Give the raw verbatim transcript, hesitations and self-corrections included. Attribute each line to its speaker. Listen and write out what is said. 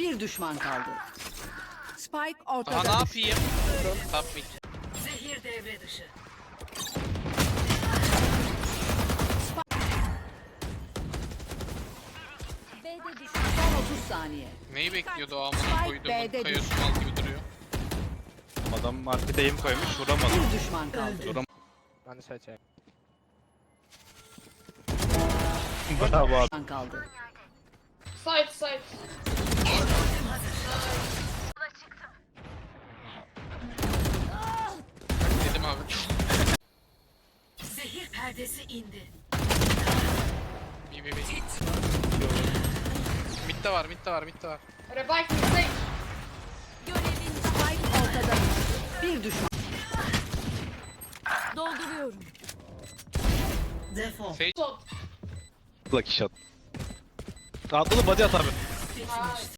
Speaker 1: Bir düşman kaldı. Spike
Speaker 2: Daha
Speaker 1: ortada.
Speaker 2: ne yapayım? Top mid.
Speaker 1: Zehir devre dışı. B'de düşman. Son otuz saniye.
Speaker 2: Neyi bekliyordu o
Speaker 1: Spike
Speaker 2: amına koyduğumun
Speaker 1: B'de
Speaker 2: kayıyorsun mal gibi duruyor.
Speaker 3: Adam markete aim koymuş vuramadı.
Speaker 1: Bir düşman kaldı.
Speaker 3: Vuram
Speaker 4: Ben de seçeyim.
Speaker 3: Bravo abi.
Speaker 1: Düşman kaldı.
Speaker 5: Side side.
Speaker 2: Dedim abi.
Speaker 1: Zehir perdesi indi.
Speaker 2: Bir bir bir. Mid'de var, mid'de var, mid'de var.
Speaker 5: Revive mistake.
Speaker 1: Görevin Spike ortada. Bir düşman. Dolduruyorum. Defol.
Speaker 2: Sage
Speaker 5: Shot.
Speaker 3: Lucky shot. Atladı body at abi.
Speaker 5: Nice.